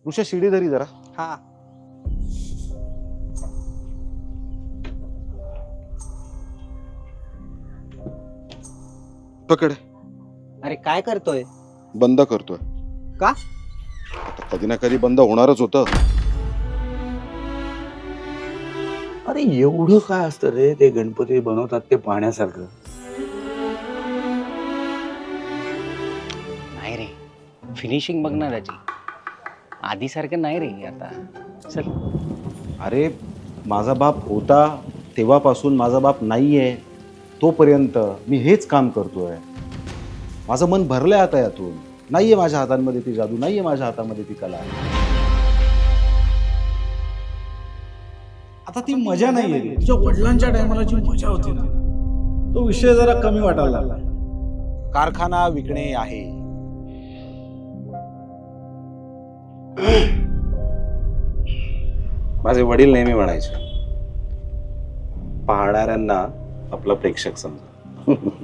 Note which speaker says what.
Speaker 1: ऋषा शिडी धरी जरा.
Speaker 2: हा.
Speaker 1: पकड.
Speaker 2: अरे काय करतोय?
Speaker 1: बंद करतोय.
Speaker 2: का?
Speaker 1: आता कधी ना कधी बंद होणारच होतं.
Speaker 3: अरे एवढं काय असतं रे ते गणपती बनवतात ते पाहण्यासारखं?
Speaker 4: नाही रे, फिनिशिंग बघ ना त्याची. आधीसारखं नाही रे आता. चल.
Speaker 1: अरे माझा बाप होता तेव्हापासून माझा बाप नाहीये तोपर्यंत मी हेच काम करतोय. माझं मन भरलंय आता यातून. नाहीये माझ्या हातांमध्ये ती जादू, नाहीये माझ्या हातामध्ये ती कला.
Speaker 5: आता ती मजा नाहीये रे. तुझ्या वडिलांच्या टायमाला जी मजा होती ना, तो विषय जरा कमी वाटायला लागला.
Speaker 1: कारखाना विकणे आहे. माझे वडील नेहमी म्हणायचे, पाहणाऱ्यांना आपला प्रेक्षक समजा.